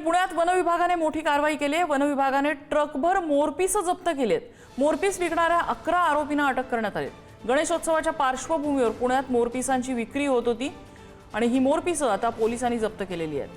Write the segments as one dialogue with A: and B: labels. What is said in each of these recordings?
A: पुण्यात वन विभागाने मोठी कारवाई केली आहे। वन विभागाने ट्रकभर मोरपीस जप्त केलेत। मोरपीस विकणाऱ्या 11 आरोपींना अटक करण्यात आली। गणेशोत्सवाच्या पार्श्वभूमीवर पुण्यात मोरपीसांची विक्री होत होती आणि ही मोरपीस आता पोलिसांनी जप्त केलेली आहेत।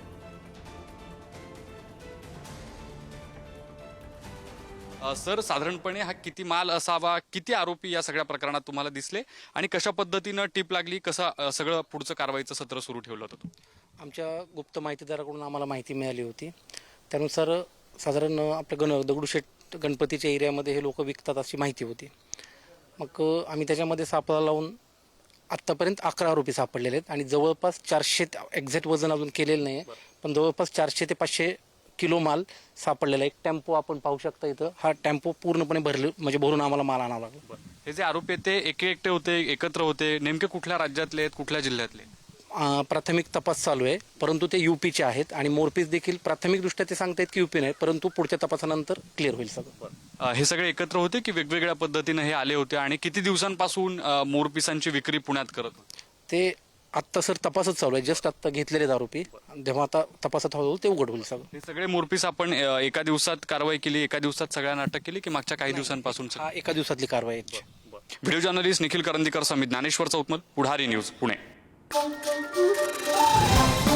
B: सर, साधारणपणे हा किती माल असावा, किती आरोपी या सगळ्या प्रकरणात तुम्हाला दिसले आणि कशा पद्धतीने टीप लागली, कसं सगळं पुढचं कारवाईचं सत्र सुरू ठेवलं होतं?
C: आमच्या गुप्त माहितीदाराकडून आम्हाला माहिती मिळाली होती। त्यानुसार साधारण आपल्या दगडूशेठ गणपतीच्या एरियामध्ये हे लोक विकतात अशी माहिती होती। मग आम्ही त्याच्यामध्ये सापळा लावून आत्तापर्यंत 11 आरोपी सापडलेले आहेत आणि जवळपास 400 एक्झॅक्ट वजन अजून केलेलं नाही, पण जवळपास 400 ते 500 किलो माल सापडलेला। एक टेम्पो आपण पाहू शकता इथं, हा टेम्पो पूर्णपणे भरून आम्हाला माल आणावा लागला।
B: हे जे आरोपी आहेत ते एकटे होते, एकत्र होते, नेमके कुठल्या राज्यातले आहेत, कुठल्या जिल्ह्यातले?
C: प्राथमिक तपास चालू आहे, परंतु ते यूपीचे आहेत आणि मोरपीस देखील प्राथमिकदृष्ट्या ते सांगतायत की यूपी नाही, परंतु पुढच्या तपासानंतर क्लिअर होईल सगळं।
B: हे सगळे एकत्र होते की वेगवेगळ्या पद्धतीने हे आले होते आणि किती दिवसांपासून मोरपिसांची विक्री पुण्यात करत होते?
C: ते आत्ता सर तपासच चालू आहे, जस्ट आत्ता घेतलेले आरोपी, जेव्हा आता तपासात हळूहळू ते उघड होईल सगळं।
B: हे सगळे मोरपीस आपण एका दिवसात कारवाई केली, एका दिवसात सगळ्यांना अटक केली की मागच्या काही दिवसांपासून?
C: हा एका दिवसातली कारवाई आहे।
B: व्हिडिओ जर्नलिस्ट निखिल करंदीकर समित, ज्ञानेश्वर चौतमल, पुढारी न्यूज, पुणे।